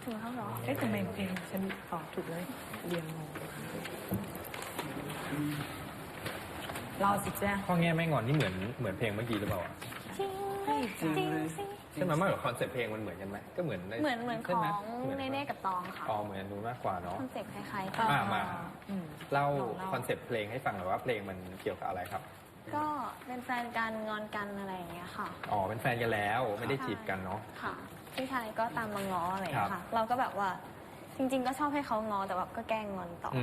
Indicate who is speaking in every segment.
Speaker 1: ถึงเขาเหรอ
Speaker 2: ทำไมเพลงฉันตอบถูกเลยเรียงงงรอสิจ้า
Speaker 3: พ่อแง่ไม่งอนนี่เหมือนเพลงเมื่อกี้หรือเปล่า
Speaker 1: จริงจริงสิ
Speaker 3: ใช่ไหมไม่หรอกคอนเซ็ปต์เพลงมันเหมือนกันไหมก็เหมือน
Speaker 1: ของเนเน่กับตองค่ะ
Speaker 3: อ๋อเหมือนนู้นมากกว่าเนาะ
Speaker 1: คอนเซ็ปต์คล้ายๆกัน
Speaker 3: มาเล่าคอนเซ็ปต์เพลงให้ฟังหน่อยว่าเพลงมันเกี่ยวกับอะไรครับ
Speaker 1: ก็เป็นแฟนกันงอนกันอะไรอย่างเงี้ยค่ะ
Speaker 3: อ๋อเป็นแฟนกันแล้วไม่ได้จีบกันเนาะ
Speaker 1: ค่ะพี่ชายก็ตามมาง้ออะไรอย่างเงี้ยค่ะเราก็แบบว่าจริงๆก็ชอบให้เขาง้อแต่แบบก็แกล้งงอนต่อ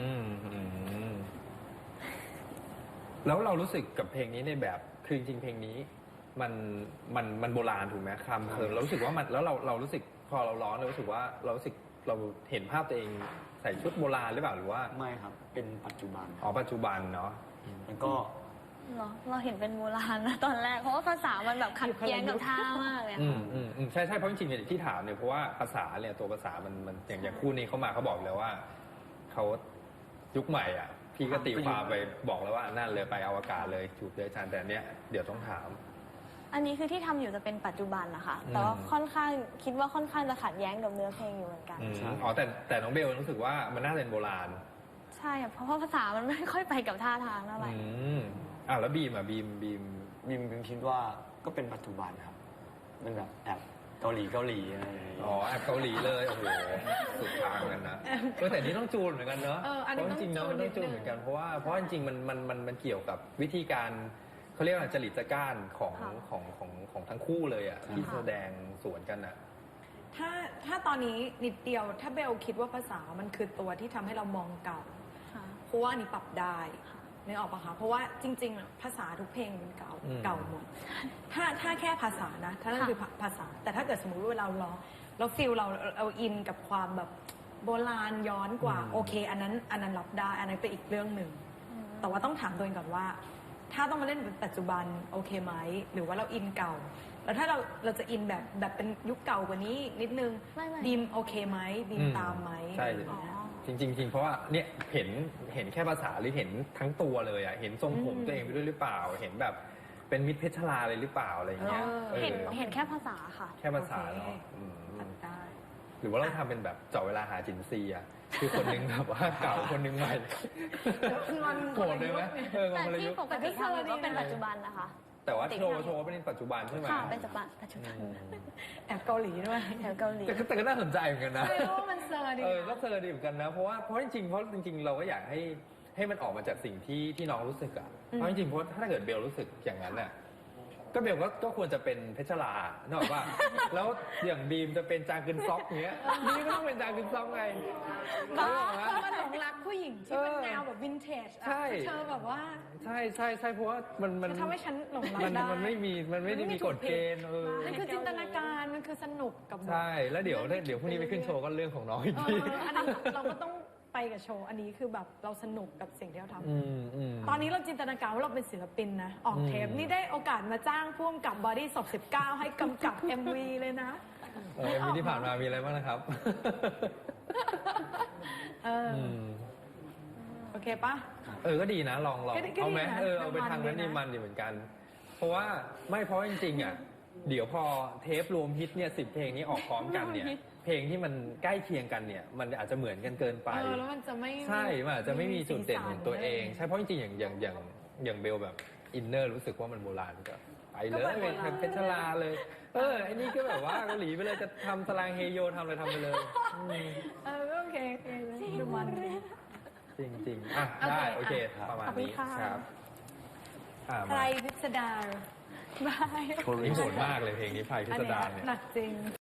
Speaker 3: แล้วเรารู้สึกกับเพลงนี้ในแบบคือจริงๆเพลงนี้มันโบราณถูกไหมคำเรารู้สึกว่ามันแล้วเรารู้สึกพอเราร้องเรารู้สึกว่าเรารู้สึกเราเห็นภาพตัวเองใส่ชุดโบราณหรือเปล่าหรือว่า
Speaker 4: ไม่ครับเป็นปัจจุบัน
Speaker 3: อ๋อปัจจุบันเนาะ
Speaker 4: มันก็
Speaker 1: เราเห็นเป็นโบราณนะตอนแรกเพราะว่าภาษามันแบบขัดแย้งกับท่ามากเลยค่ะ
Speaker 3: ใช่เพราะจริงๆที่ถามเนี่ยเพราะว่าภาษาเนี่ยตัวภาษามันอย่างคู่นี้เขามาเขาบอกแล้วว่าเขายุคใหม่อ่ะพี่ก็ตีความไปบอกแล้วว่านั่นเลยไปอวกาศเลยจูบเลยอาจารย์แต่เนี้ยเดี๋ยวต้องถาม
Speaker 1: อันนี้คือที่ทำอยู่จะเป็นปัจจุบันนะคะแต่ว่าค่อนข้างคิดว่าค่อนข้างจะขัดแย้งกับเนื้อเพลงอยู่เหมือนกัน
Speaker 3: อ๋อแต่น้องเบลรู้สึกว่ามันน่าเป็นโบราณ
Speaker 1: ใช่เพราะภาษามันไม่ค่อยไปกับท่าทางเท่าไหร่
Speaker 3: แล้วบีม
Speaker 4: คิดว่าก็เป็นปัจจุบันครับมันแบบแอบเกาหลีอะไร
Speaker 3: อ๋อแอบเกาหลีเลยโอ้โหสุดทางกันนะแต่นี้ต้องจูนเหมือนกันเนาะเพราะจริงๆเนาะมันต้องจูนเหมือนกันเพราะจริงๆมันเกี่ยวกับวิธีการเขาเรียกว่าจริตจักร้านของทั้งคู่เลยอ่ะที่แสดงสวนกันอ่ะ
Speaker 2: ถ้าตอนนี้นิดเดียวถ้าเบลคิดว่าภาษามันคือตัวที่ทำให้เรามองเก่าเพราะว่านี่ปรับได้นึกออกปะคะเพราะว่าจริงๆภาษาทุกเพลงมันเก่าหมดถ้าแค่ภาษานะถ้านั่นคือภาษาแต่ถ้าเกิดสมมติว่าเราร้องเราฟีลเราอินกับความแบบโบราณย้อนกว่าโอเคอันนั้นรับได้อันนั้นเป็นอีกเรื่องหนึ่งแต่ว่าต้องถามตัวเองก่อนว่าถ้าต้องมาเล่นเป็นปัจจุบันโอเคไหมหรือว่าเราอินเก่าแล้วถ้าเราจะอินแบบเป็นยุคเก่ากว่านี้นิดนึงดีมโอเคไหมดีมตามไหม
Speaker 3: ใช่จริงเพราะว่าเนี่ยเห็นแค่ภาษาหรือเห็นทั้งตัวเลยอ่ะเห็นทรงผมตัวเองไปด้วยหรือเปล่าเห็นแบบเป็นมิตรเพชรลาเลยหรือเปล่าอะไรอย่างเงี้ย
Speaker 1: เห็นแค่ภาษาค่ะ
Speaker 3: แค่ภาษาเนาะหรือว่าเราทำเป็นแบบเจาะเวลาหาจินซีอ่ะคือคนนึงแบบว่าเก่าคนนึงใหม่โกรธเลยไหม
Speaker 1: แต่ที่ปกติทำก็เป็นปัจจุบันนะคะ
Speaker 3: แต่ว่าโชว์เป็นปัจจุบันใช่ไหม
Speaker 1: เป็นปัจจุบัน
Speaker 2: แอบเกาหลีด้วย
Speaker 1: แอบเกาหลี
Speaker 3: แต่ก็น่าสนใจเหมือนกันนะ
Speaker 2: เพราะมันเซอร์ดี
Speaker 3: ก็เซอร์ดีเหมือนกันนะเพราะจริงเราก็อยากให้มันออกมาจากสิ่งที่น้องรู้สึกอ่ะเพราะจริงเพราะถ้าเกิดเบลรู้สึกอย่างนั้นน่ะก็เบลก็ควรจะเป็นเพชรลาเนอะว่าแล้วอย่างบีมจะเป็นจางกึนซอกเงี้ยบีมก็ต้องเป็นจางกึนซอกไง
Speaker 2: ก็มันหลงรักผู้หญิงที่เป็นแนวแบบวินเทจเธอแบบว่า
Speaker 3: ใช่เพราะว่ามัน
Speaker 2: ทำให้ฉันหลงรักได้
Speaker 3: มันไม่ได้มีกฎเกณฑ์
Speaker 2: มันคือจินตนาการมันคือสนุกกับ
Speaker 3: ใช่แล้วเดี๋ยวพรุ่งนี้ไปขึ้นโชว์ก็เรื่องของน้องอีกที
Speaker 2: อันนั้นเราก็ต้องไปกับโชว์อันนี้คือแบบเราสนุกกับสิ่งที่เราทำตอนนี้เราจินตนาการว่าเราเป็นศิลปินนะออกเทปนี่ได้โอกาสมาจ้างพ่วงกับบอดี้ศพ19ให้กำกับ MV เลยนะ
Speaker 3: MV ที่ผ่านมามีอะไรบ้างนะครับ
Speaker 2: โอเคปะ
Speaker 3: ก็ดีนะลองเอาไหมเอาไปทางนั้นนี่มันดีเหมือนกันเพราะว่าจริงๆอ่ะเดี๋ยวพอเทปรวมฮิตเนี่ย10 เพลงนี้ออกพร้อมกันเนี่ยเพลงที่มันใกล้เคียงกันเนี่ยมันอาจจะเหมือนกันเกินไป
Speaker 2: แล้วมันจะไม่
Speaker 3: ใช่มันอาจจะไม่มีจุดเด่นของตัวเองใช่เพราะจริงๆอย่างเบลแบบอินเนอร์รู้สึกว่ามันโบราณก็ไปเลยเป็นเพชรลาเลยไอ้นี่ก็แบบว่าเกาหลีไปเลยจะทำสลางเฮโยทำอะไรทำไปเลย
Speaker 2: โอเคดูมัน
Speaker 3: จริงได้โอเคประมาณนี้ครับ
Speaker 2: ใครพิสดาร
Speaker 1: บาย
Speaker 3: นี่โหดมากเลยเพลงนี้ไพพิสดารเนี่ย
Speaker 2: หนักจริง